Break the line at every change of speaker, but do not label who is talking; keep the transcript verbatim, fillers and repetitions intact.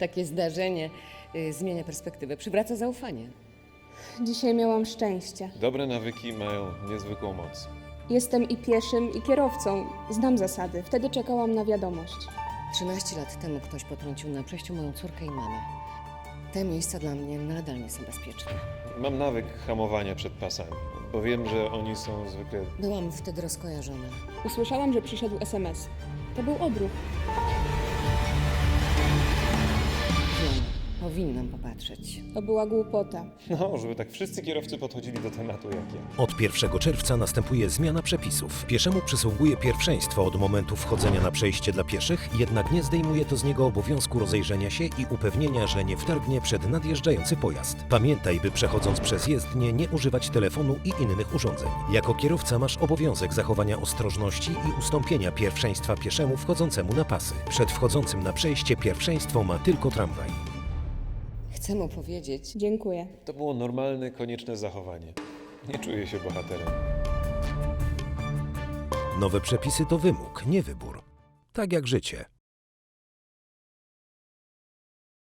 Takie zdarzenie y, zmienia perspektywę, przywraca zaufanie.
Dzisiaj miałam szczęście.
Dobre nawyki mają niezwykłą moc.
Jestem i pieszym, i kierowcą. Znam zasady. Wtedy czekałam na wiadomość.
trzynaście lat temu ktoś potrącił na przejściu moją córkę i mamę. Te miejsca dla mnie nadal nie są bezpieczne.
Mam nawyk hamowania przed pasami, bo wiem, że oni są zwykle...
Byłam wtedy rozkojarzona.
Usłyszałam, że przyszedł es em es. To był odruch.
Wiem, powinnam popatrzeć.
To była głupota.
No, żeby tak wszyscy kierowcy podchodzili do tematu jak ja.
Od pierwszego czerwca następuje zmiana przepisów. Pieszemu przysługuje pierwszeństwo od momentu wchodzenia na przejście dla pieszych, jednak nie zdejmuje to z niego obowiązku rozejrzenia się i upewnienia, że nie wtargnie przed nadjeżdżający pojazd. Pamiętaj, by przechodząc przez jezdnię nie używać telefonu i innych urządzeń. Jako kierowca masz obowiązek zachowania ostrożności i ustąpienia pierwszeństwa pieszemu wchodzącemu na pasy. Przed wchodzącym na przejście pierwszeństwo ma tylko tramwaj.
Chcę mu powiedzieć,
Dziękuję.
To było normalne, konieczne zachowanie. Nie czuję się bohaterem.
Nowe przepisy to wymóg, nie wybór. Tak jak życie.